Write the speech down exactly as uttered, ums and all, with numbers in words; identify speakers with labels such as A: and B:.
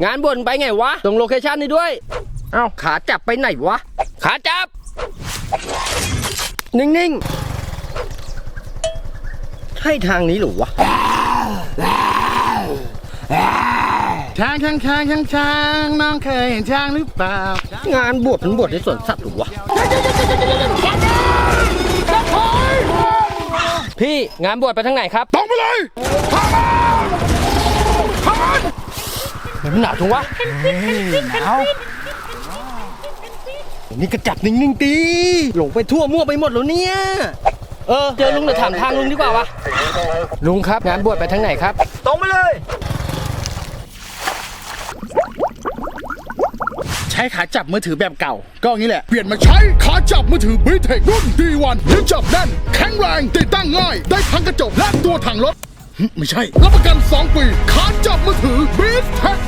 A: งานบวชไปไงวะตรงโลเคชั่นนี้ด้วยเอ้าขาจับไปไหนวะขาจับนิ่งๆใช่ทางนี้หรือวะ
B: ช้างช้างช้างช้างช้างน้องเคยเห็นช้างหรือเปล่าง
A: านบวชมันบวชในสวนสัตว์หรือวะพี่งานบวชไปทางไหนครับ
B: ตรงไปเลยทางทาง
A: มันหนาวจังวะหนาวนี่กระจับนิ่งๆตีหลงไปทั่วมั่วไปหมดแล้วเนี่ยเออเจอลุงเดี๋ยวถามทางลุงดีกว่าวะลุงครับงานบวชไปทางไหนครับตรงไปเลย
B: ใช้ขาจับมือถือแบบเก่าก็อย่างนี้แหละเปลี่ยนมาใช้ขาจับมือถือบีเทครุ่น ดี วัน ยึดจับแน่นแข็งแรงติดตั้งง่ายได้ทั้งกระจกและตัวถังรถไม่ใช่รับประกันสองปีขาจับมือถือบีเทค